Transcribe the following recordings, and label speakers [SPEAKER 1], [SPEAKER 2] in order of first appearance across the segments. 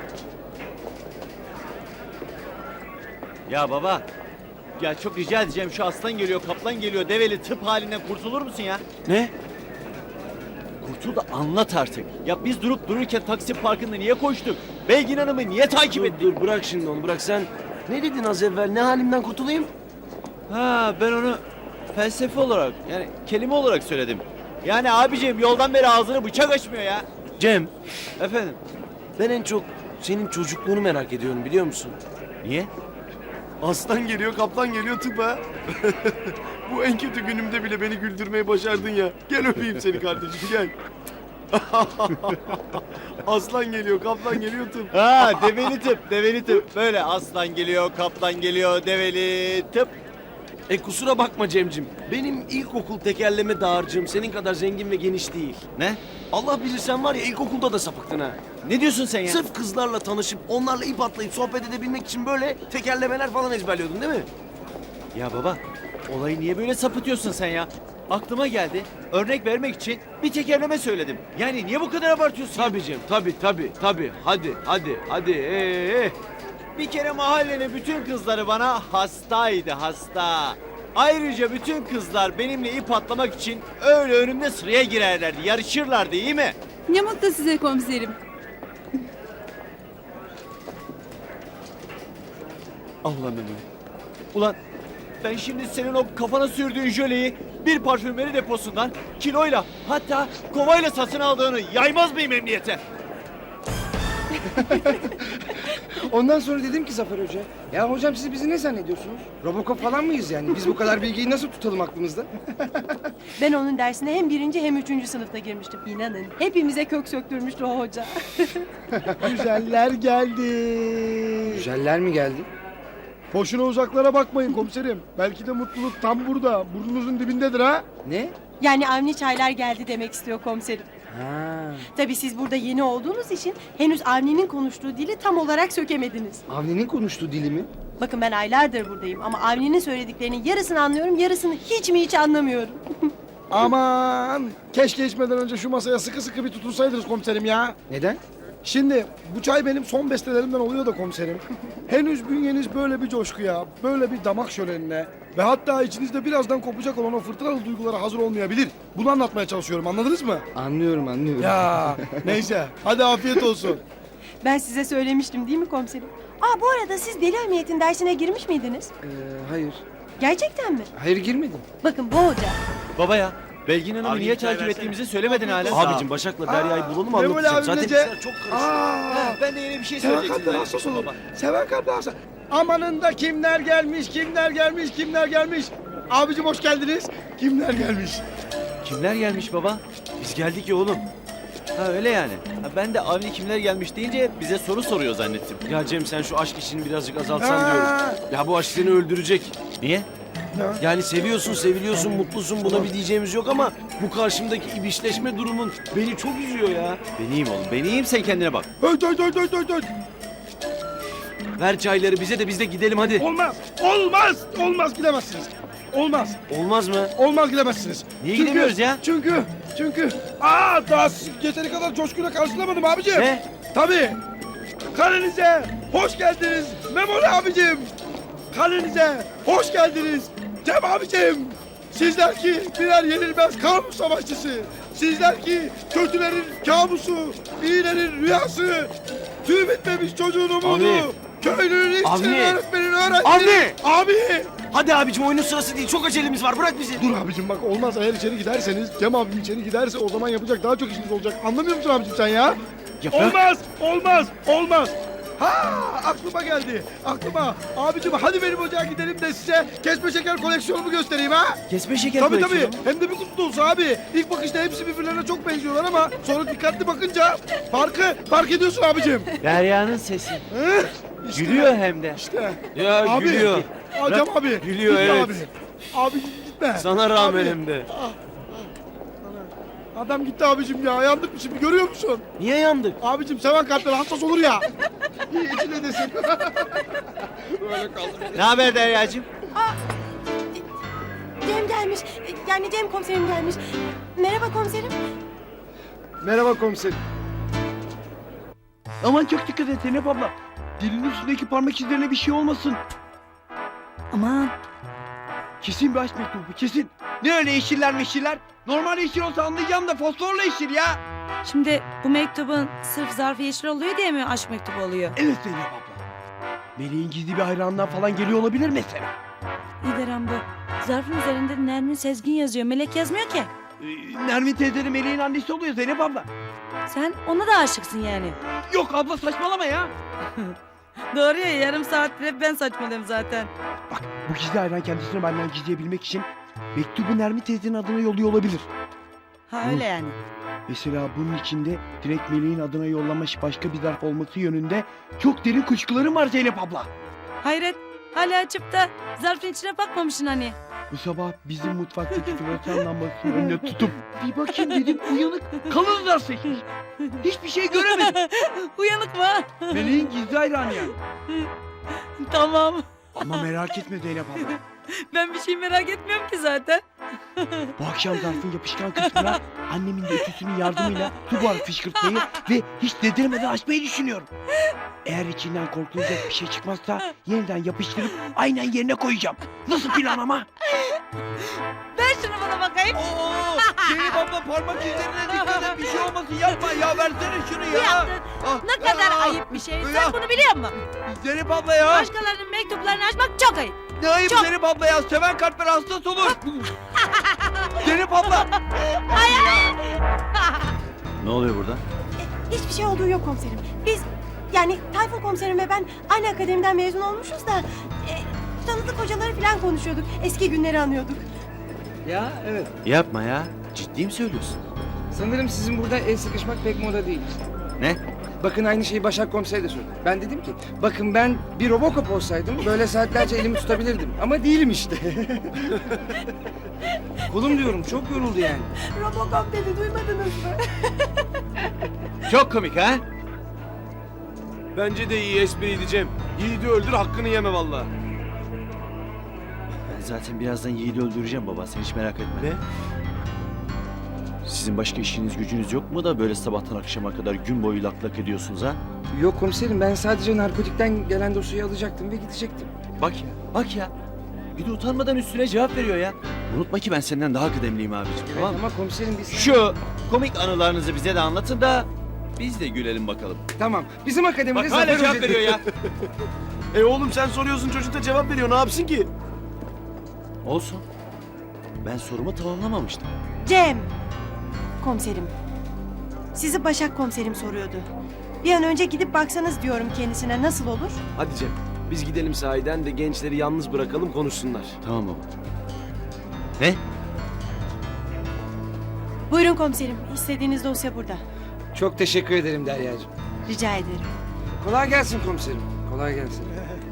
[SPEAKER 1] Ya baba, ya çok rica edeceğim, şu aslan geliyor, kaplan geliyor, develi tıp halinden kurtulur musun ya?
[SPEAKER 2] Ne?
[SPEAKER 1] Kurtul da anlat artık. Ya biz durup dururken Taksim Parkı'nda niye koştuk? Belgin Hanım'ı niye takip ettik?
[SPEAKER 2] Dur bırak şimdi onu bırak sen. Ne dedin az evvel? Ne halimden kurtulayım?
[SPEAKER 1] Ha, ben onu felsefe olarak, yani kelime olarak söyledim. Yani abiciğim yoldan beri ağzını bıçak açmıyor ya.
[SPEAKER 2] Cem,
[SPEAKER 1] Efendim?
[SPEAKER 2] ben en çok senin çocukluğunu merak ediyorum biliyor musun?
[SPEAKER 1] Niye?
[SPEAKER 2] Aslan geliyor, kaplan geliyor tıpa. Bu en kötü günümde bile beni güldürmeyi başardın ya. Gel öpeyim seni kardeşim gel. Aslan geliyor, kaplan geliyor tıp.
[SPEAKER 1] Ha, develi tıp, develi tıp. Böyle aslan geliyor, kaplan geliyor, develi tıp.
[SPEAKER 2] Kusura bakma Cemcim. Benim ilkokul tekerleme dağarcığım senin kadar zengin ve geniş değil.
[SPEAKER 1] Ne?
[SPEAKER 2] Allah bilir sen var ya ilkokulda da sapıktın ha.
[SPEAKER 1] Ne diyorsun sen ya?
[SPEAKER 2] Sırf kızlarla tanışıp onlarla ip atlayıp sohbet edebilmek için böyle tekerlemeler falan ezberliyordun değil mi?
[SPEAKER 1] Ya baba, olayı niye böyle sapıtıyorsun sen ya? Aklıma geldi, örnek vermek için bir tekerleme söyledim. Yani niye bu kadar abartıyorsun?
[SPEAKER 2] Tabii Cem, tabii. Hadi.
[SPEAKER 1] Bir kere mahallenin bütün kızları bana hastaydı, hasta. Ayrıca bütün kızlar benimle ip atlamak için öyle önümde sıraya girerlerdi, yarışırlardı, iyi mi?
[SPEAKER 3] Ne mutlu size komiserim.
[SPEAKER 1] Allah'ım. Ulan ben şimdi senin o kafana sürdüğün jöleyi bir parfümeri deposundan kiloyla, hatta kovayla satın aldığını yaymaz mıyım emniyete?
[SPEAKER 4] Ondan sonra dedim ki Zafer Hoca, ya hocam siz bizi ne zannediyorsunuz? Robocop falan mıyız yani? Biz bu kadar bilgiyi nasıl tutalım aklımızda?
[SPEAKER 5] Ben onun dersine hem 1. hem 3. sınıfta girmiştim. İnanın hepimize kök söktürmüştü o hoca.
[SPEAKER 6] Güzeller geldi.
[SPEAKER 4] Güzeller mi geldi?
[SPEAKER 6] Boşuna uzaklara bakmayın komiserim. Belki de mutluluk tam burada. Burnunuzun dibindedir ha.
[SPEAKER 4] Ne?
[SPEAKER 5] Yani Avni Çaylar geldi demek istiyor komiserim.
[SPEAKER 4] Ha.
[SPEAKER 5] Tabii siz burada yeni olduğunuz için henüz Avni'nin konuştuğu dili tam olarak sökemediniz.
[SPEAKER 4] Avni'nin konuştuğu dili mi?
[SPEAKER 5] Bakın ben aylardır buradayım ama Avni'nin söylediklerinin yarısını anlıyorum, yarısını hiç anlamıyorum.
[SPEAKER 6] Aman. Keşke içmeden önce şu masaya sıkı sıkı bir tutunsaydınız komiserim ya.
[SPEAKER 4] Neden?
[SPEAKER 6] Şimdi bu çay benim son bestelerimden oluyor da komiserim. Henüz bünyeniz böyle bir coşkuya, böyle bir damak şölenine ve hatta içinizde birazdan kopacak olan o fırtınalı duygulara hazır olmayabilir. Bunu anlatmaya çalışıyorum, anladınız mı?
[SPEAKER 4] Anlıyorum.
[SPEAKER 6] Ya neyse, hadi afiyet olsun.
[SPEAKER 5] Ben size söylemiştim değil mi komiserim? Bu arada siz deli emniyetin dersine girmiş miydiniz?
[SPEAKER 4] Hayır.
[SPEAKER 5] Gerçekten mi?
[SPEAKER 4] Hayır girmedim.
[SPEAKER 5] Bakın bu hoca.
[SPEAKER 1] Baba ya, Belgin Hanım'ı
[SPEAKER 2] Abi
[SPEAKER 1] niye
[SPEAKER 2] bir çay
[SPEAKER 1] takip
[SPEAKER 2] versene.
[SPEAKER 1] ettiğimizi söylemedin hala.
[SPEAKER 2] Abicim Başak'la Derya'yı bulalım
[SPEAKER 6] Memoli
[SPEAKER 2] anlatacağım.
[SPEAKER 6] abim
[SPEAKER 2] Zaten
[SPEAKER 6] nece?
[SPEAKER 2] işler çok karışık.
[SPEAKER 6] Aa,
[SPEAKER 1] Ben de yeni bir şey
[SPEAKER 6] seven
[SPEAKER 1] söyleyecektim.
[SPEAKER 6] kalpten hassas olun. Seven kalpten hassas. Amanında kimler gelmiş. Abicim hoş geldiniz. Kimler gelmiş?
[SPEAKER 1] Kimler gelmiş baba?
[SPEAKER 2] Biz geldik ya oğlum.
[SPEAKER 1] Ha öyle yani. Ha, ben de Avni kimler gelmiş deyince bize soru soruyor zannettim.
[SPEAKER 2] Ya Cem sen şu aşk işini birazcık azaltsan
[SPEAKER 6] Ha.
[SPEAKER 2] diyorum. Ya bu aşk seni öldürecek.
[SPEAKER 1] Niye?
[SPEAKER 2] Yani seviyorsun, seviliyorsun, mutlusun buna bir diyeceğimiz yok ama bu karşımdaki ibişleşme durumun beni çok üzüyor ya.
[SPEAKER 1] Ben iyiyim oğlum, ben iyiyim, sen kendine bak.
[SPEAKER 6] Öt.
[SPEAKER 2] Ver çayları bize de biz de gidelim hadi.
[SPEAKER 6] Olmaz gidemezsiniz.
[SPEAKER 2] Olmaz mı?
[SPEAKER 6] Olmaz gidemezsiniz.
[SPEAKER 1] Niye gidemiyoruz ya?
[SPEAKER 6] Çünkü daha yeteri kadar coşkuyla karşılamadım abicim.
[SPEAKER 1] Ne?
[SPEAKER 6] Tabii. Kalenize hoş geldiniz Memoli abicim. Kalenize hoş geldiniz Cem abicim. Sizler ki birer yenilmez kamu savaşçısı. Sizler ki kötülerin kabusu, iyilerin rüyası. Tüy bitmemiş çocuğun umudu.
[SPEAKER 2] Abi.
[SPEAKER 6] Köylünün, işçinin,
[SPEAKER 2] Abi.
[SPEAKER 6] öğretmenin, öğrencinin. Abi.
[SPEAKER 2] Hadi abicim oyunun sırası değil çok acelemiz var bırak bizi.
[SPEAKER 6] Dur abicim bak olmaz, eğer içeri giderseniz Cem abim içeri giderse o zaman yapacak daha çok işiniz olacak. Anlamıyor musun abicim sen ya? Olmaz. Ha aklıma geldi. Abicim hadi benim ocağa gidelim de size kesme şeker koleksiyonumu göstereyim ha.
[SPEAKER 1] Kesme şeker
[SPEAKER 6] Tabii
[SPEAKER 1] koleksiyonu.
[SPEAKER 6] hem de bir kutu dolusu abi. İlk bakışta hepsi birbirlerine çok benziyorlar ama sonra dikkatli bakınca fark ediyorsun abicim.
[SPEAKER 1] Derya'nın sesi.
[SPEAKER 6] Hı? İşte,
[SPEAKER 1] Gülüyor hem de.
[SPEAKER 6] İşte.
[SPEAKER 2] Ya
[SPEAKER 6] Abi.
[SPEAKER 2] gülüyor.
[SPEAKER 6] Cem abi.
[SPEAKER 2] Gülüyor,
[SPEAKER 6] gitme
[SPEAKER 2] evet.
[SPEAKER 6] Abi. Abi gitme.
[SPEAKER 2] Sana rağmen
[SPEAKER 6] Abi.
[SPEAKER 2] hem de.
[SPEAKER 6] Adam gitti abicim ya. Yandık mı şimdi görüyor musun?
[SPEAKER 2] Niye yandık?
[SPEAKER 6] Abicim seven kalpler hassas olur ya. İyi içine desin. Böyle kaldım.
[SPEAKER 1] Ne haber Derya'cığım?
[SPEAKER 5] Cem gelmiş. Yani Cem komiserim gelmiş. Merhaba komiserim.
[SPEAKER 4] Merhaba komiserim.
[SPEAKER 6] Aman çok dikkat et Zeynep abla. Dilinin üstündeki parmak izlerine bir şey olmasın.
[SPEAKER 3] Aman.
[SPEAKER 6] Kesin bir aşk mektubu kesin. Ne öyle yeşiller meşiller? Normal yeşil olsa anlayacağım da fosforla yeşil ya.
[SPEAKER 3] Şimdi bu mektubun sırf zarfı yeşil oluyor diye mi aşk mektubu oluyor?
[SPEAKER 6] Evet Zeynep abla. Meleğin gizli bir hayranından falan geliyor olabilir mesela.
[SPEAKER 3] İyi de Rambo. Zarfın üzerinde Nermin Sezgin yazıyor. Melek yazmıyor ki.
[SPEAKER 6] Nermin teyze de Meleğin annesi oluyor Zeynep abla.
[SPEAKER 3] Sen ona da aşıksın yani.
[SPEAKER 6] Yok abla saçmalama ya.
[SPEAKER 3] Doğru ya, yarım saattir hep ben saçmalıyorum zaten.
[SPEAKER 6] Bak bu gizli hayran kendisini benden gizleyebilmek için mektubu Nermin teyzenin adına yolluyor olabilir.
[SPEAKER 3] Ha öyle yani.
[SPEAKER 6] Mesela bunun içinde direkt Meleğin adına yollamış başka bir zarf olması yönünde çok derin kuşkularım var Zeynep abla.
[SPEAKER 3] Hayret, hala açıp da zarfın içine bakmamışsın hani.
[SPEAKER 6] Bu sabah bizim mutfaktaki floresan lambasının önüne tutup bir bakayım dedim uyanık kalın zarf seçmiş. Hiçbir şey göremedim.
[SPEAKER 3] Uyanık mı?
[SPEAKER 6] Meleğin gizli hayranı yani.
[SPEAKER 3] Tamam.
[SPEAKER 6] Ama merak etme Zeynep abla.
[SPEAKER 3] Ben bir şey merak etmiyorum ki zaten.
[SPEAKER 6] Bu akşam zarfın yapışkan kısmına annemin de ötüsünün yardımıyla su buharı fışkırtmayı ve hiç dedirmeden açmayı düşünüyorum. Eğer içinden korkulacak bir şey çıkmazsa yeniden yapıştırıp aynen yerine koyacağım. Nasıl plan ama?
[SPEAKER 3] Ver şunu bana bakayım.
[SPEAKER 6] Oo, Zeynep abla parmak izlerine dikkat et bir şey olmasın yapma ya versene şunu
[SPEAKER 3] Bu yaptın. Ne kadar ayıp bir şey. Sen bunu biliyor musun?
[SPEAKER 6] Zeynep abla ya.
[SPEAKER 3] Başkalarının mektuplarını açmak çok ayıp.
[SPEAKER 6] Ne ayıp
[SPEAKER 3] Çok.
[SPEAKER 6] Zeynep abla ya seven kalpler hassas olur. Zeynep abla.
[SPEAKER 1] Ne oluyor burada?
[SPEAKER 5] Hiçbir şey olduğu yok komiserim. Biz yani Tayfun komiserim ve ben aynı akademiden mezun olmuşuz da tanıdık hocaları falan konuşuyorduk. Eski günleri anıyorduk.
[SPEAKER 4] Ya evet.
[SPEAKER 1] Yapma ya. Ciddi mi söylüyorsun?
[SPEAKER 4] Sanırım sizin burada el sıkışmak pek moda değil.
[SPEAKER 1] Ne?
[SPEAKER 4] Bakın aynı şeyi Başak Komiser de söyledi. Ben dedim ki bakın ben bir Robocop olsaydım böyle saatlerce elimi tutabilirdim. Ama değilim işte. Kolum diyorum çok yoruldu yani.
[SPEAKER 5] Robocop dedi, duymadınız mı?
[SPEAKER 1] Çok komik ha?
[SPEAKER 2] Bence de iyi espriydi Cem. Yiğidi öldür hakkını yeme vallahi.
[SPEAKER 1] Ben zaten birazdan Yiğit'i öldüreceğim baba. Sen hiç merak etme.
[SPEAKER 2] Ne?
[SPEAKER 1] Sizin başka işiniz gücünüz yok mu da böyle sabahtan akşama kadar gün boyu lak lak ediyorsunuz ha?
[SPEAKER 4] Yok komiserim ben sadece narkotikten gelen dosyayı alacaktım ve gidecektim.
[SPEAKER 1] Bak ya, bak ya. Bir de utanmadan üstüne cevap veriyor ya. Unutma ki ben senden daha kıdemliyim abiciğim,
[SPEAKER 4] Evet,
[SPEAKER 1] tamam mı?
[SPEAKER 4] ama komiserim biz...
[SPEAKER 1] Şu komik anılarınızı bize de anlatın da biz de gülelim bakalım.
[SPEAKER 4] Tamam bizim akademide
[SPEAKER 1] Bak hala
[SPEAKER 4] Zafer
[SPEAKER 1] cevap
[SPEAKER 4] Hoca-
[SPEAKER 1] veriyor ya.
[SPEAKER 2] Oğlum sen soruyorsun çocuk da cevap veriyor ne yapsın ki?
[SPEAKER 1] Olsun. Ben sorumu tamamlamamıştım.
[SPEAKER 5] Cem. Komiserim. Sizi Başak komiserim soruyordu. Bir an önce gidip baksanız diyorum kendisine, nasıl olur?
[SPEAKER 2] Hadi Cem biz gidelim sahiden de gençleri yalnız bırakalım konuşsunlar.
[SPEAKER 1] Tamam baba. Ne?
[SPEAKER 5] Buyurun komiserim. İstediğiniz dosya burada.
[SPEAKER 4] Çok teşekkür ederim Derya'cığım.
[SPEAKER 5] Rica ederim.
[SPEAKER 4] Kolay gelsin komiserim. Kolay gelsin.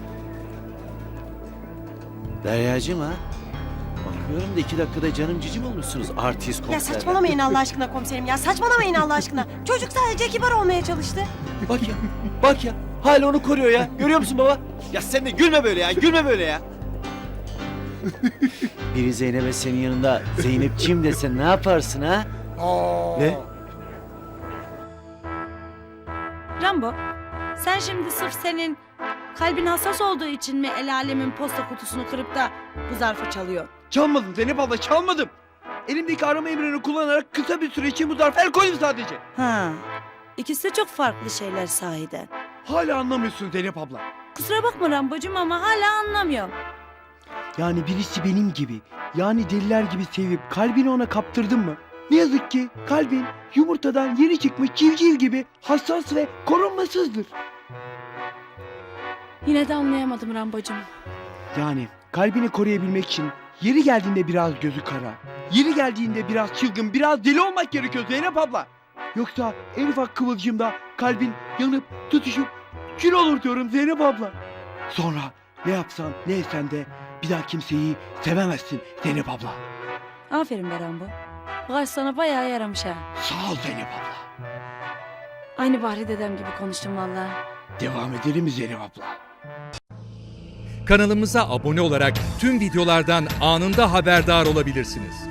[SPEAKER 1] Deryacığım ha? Bakıyorum da 2 dakikada canım cicim olmuşsunuz artist
[SPEAKER 5] Ya
[SPEAKER 1] komiserler.
[SPEAKER 5] saçmalamayın Allah aşkına komiserim ya. Saçmalamayın Allah aşkına. Çocuk sadece kibar olmaya çalıştı.
[SPEAKER 1] Bak ya, bak ya. Hala onu koruyor ya. Görüyor musun baba? Ya sen de gülme böyle ya, gülme böyle ya. Biri Zeynep'e senin yanında Zeynep'ciğim dese ne yaparsın ha?
[SPEAKER 2] Ne?
[SPEAKER 3] Rambo, sen şimdi sırf senin kalbin hassas olduğu için mi el alemin posta kutusunu kırıp da bu zarfı çalıyor?
[SPEAKER 6] Çalmadım Zeynep abla çalmadım. Elimdeki arama emrini kullanarak kısa bir süre için bu zarfa el koydum sadece.
[SPEAKER 3] Ha, ikisi de çok farklı şeyler sahiden.
[SPEAKER 6] Hala anlamıyorsun Zeynep abla.
[SPEAKER 3] Kusura bakma Rambocuğum ama hala anlamıyorum.
[SPEAKER 6] Yani birisi benim gibi, yani deliler gibi sevip kalbini ona kaptırdın mı? Ne yazık ki kalbin yumurtadan yeni çıkmış civciv gibi hassas ve korunmasızdır.
[SPEAKER 3] Yine de anlayamadım Rambocuğum.
[SPEAKER 6] Yani kalbini koruyabilmek için yeri geldiğinde biraz gözü kara, yeri geldiğinde biraz çılgın, biraz deli olmak gerekiyor Zeynep abla. Yoksa en ufak kıvılcımda kalbin yanıp tutuşup kül olur diyorum Zeynep abla. Sonra ne yapsan ne etsen de bir daha kimseyi sevemezsin Zeynep abla.
[SPEAKER 3] Aferin be Rambo. Bu aşk sana bayağı yaramış ha.
[SPEAKER 6] Sağ ol Zeynep abla.
[SPEAKER 3] Aynı Bahri dedem gibi konuştum vallahi.
[SPEAKER 6] Devam edelim mi Zeynep abla?
[SPEAKER 7] Kanalımıza abone olarak tüm videolardan anında haberdar olabilirsiniz.